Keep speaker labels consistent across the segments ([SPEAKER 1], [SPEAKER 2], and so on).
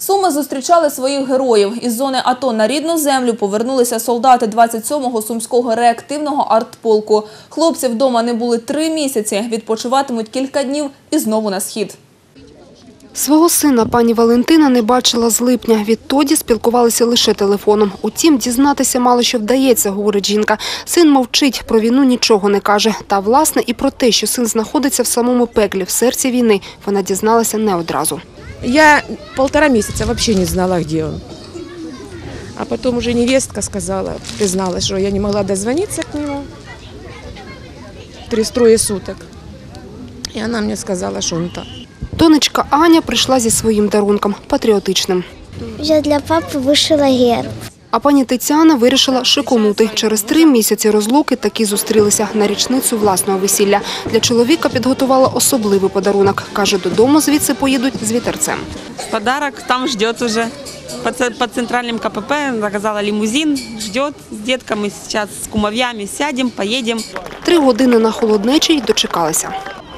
[SPEAKER 1] Суми зустрічали своїх героїв. Із зони АТО на рідну землю повернулися солдати 27-го Сумського реактивного артполку. Хлопці вдома не були 3 місяці, відпочиватимуть кілька днів і знову на схід.
[SPEAKER 2] Свого сина пані Валентина не бачила з липня. Відтоді спілкувалися лише телефоном. Утім, дізнатися мало що вдається, говорить жінка. Син мовчить, про війну нічого не каже. Та, власне, і про те, що син знаходиться в самому пеклі, в серці війни, вона дізналася не одразу.
[SPEAKER 3] Я 1,5 месяца вообще не знала, где он. А потом уже невестка сказала, призналась, что я не могла дозвониться к нему 3 суток. И она мне сказала, что он там.
[SPEAKER 2] Донечка Аня прийшла зі своїм дарунком – патріотичним.
[SPEAKER 4] Я для папи вишила герб.
[SPEAKER 2] А пані Тетяна вирішила шиконути. Через 3 місяці розлуки таки зустрілися на річницю власного весілля. Для чоловіка підготувала особливий подарунок. Каже, додому звідси поїдуть з вітерцем.
[SPEAKER 5] Подарок там ждет уже. По центральным КПП заказала лимузин, ждет с детками. Сейчас с кумовьями сядем, поедем.
[SPEAKER 2] 3 години на холоднечі й дочекалися.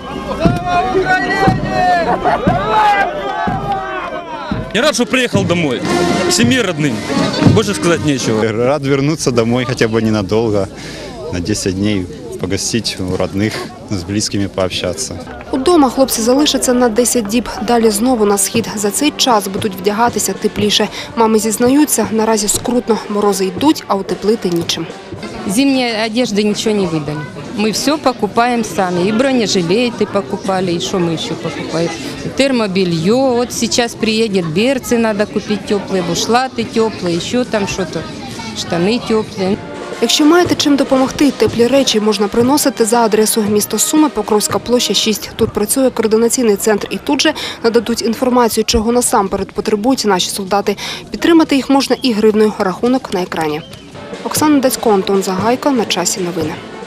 [SPEAKER 6] Я рад, что приехал домой, к семье родным. Больше сказать нечего.
[SPEAKER 7] Рад вернуться домой хотя бы ненадолго, на 10 дней погостить у родных, с близкими пообщаться.
[SPEAKER 2] Удома хлопці залишаться на 10 діб, далі знову на схід. За цей час будуть вдягатися тепліше. Мами зізнаються, наразі скрутно, морози йдуть, а утеплити нічим.
[SPEAKER 8] Зимней одежды ничего не выдали. Мы все покупаем сами. И бронежилеты покупали, и что мы еще покупаем. И термобелье. Вот сейчас приедет берцы, надо купить теплые, бушлаты теплые, еще там что-то, штаны теплые.
[SPEAKER 2] Якщо маєте чим допомогти, теплі речі можна приносити за адресою місто Суми, Покровська площа, 6. Тут працює координаційний центр і тут же нададуть інформацію, чого насамперед потребують наші солдати. Підтримати їх можна і гривною. Рахунок на екрані. Оксана Дацько, Антон Загайко. На часі новини.